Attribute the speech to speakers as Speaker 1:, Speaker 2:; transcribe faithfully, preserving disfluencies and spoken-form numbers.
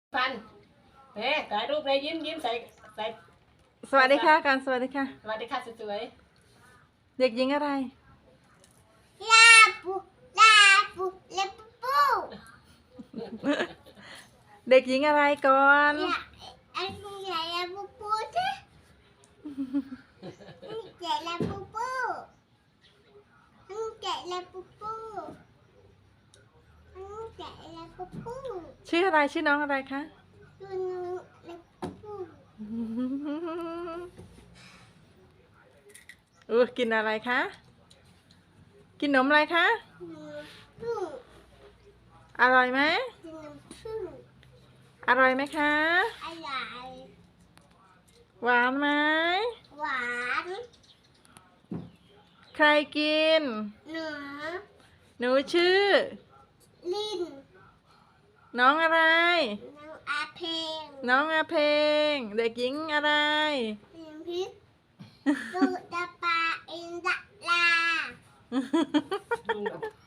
Speaker 1: ฟันเฮ้ถ่ายรูปเลยยิ้มยิ้มใส่ใส่
Speaker 2: สวัสดีค่ะกันสวัสดีค่ะ
Speaker 1: สวัสดีค่ะสวย
Speaker 2: เด็กหญิงอะไร
Speaker 3: ลาปูลาปูลาปูปู
Speaker 2: เด็กหญิงอะไรก่อน
Speaker 3: ลาอันนี้ใหญ่ลาปูปูจ้ะอันนี้ใหญ่ลาปูปูอันนี้ใหญ่ลาปูปูอันนี้ใหญ่ลาปูปู
Speaker 2: ชื่ออะไรชื่อน้องอะไรคะ
Speaker 3: ดูนูลาปูปู
Speaker 2: อู้กินอะไรคะ กินนมอะไรคะ
Speaker 3: นูพึ่ง
Speaker 2: อร่อยไหม
Speaker 3: ดูนูพึ่ง
Speaker 2: อร่อยไหมคะ
Speaker 3: อะไร
Speaker 2: หวานไหม
Speaker 3: หวาน
Speaker 2: ใครกิน
Speaker 3: หนู
Speaker 2: หนูชื่อ
Speaker 3: ลิ้น
Speaker 2: น้องอะไร
Speaker 3: น้องอาเพง
Speaker 2: น้องอาเพลงเด็กหญิงอะไร
Speaker 3: ลิ้นพิษดูดาปาอินดาลา
Speaker 1: ๆ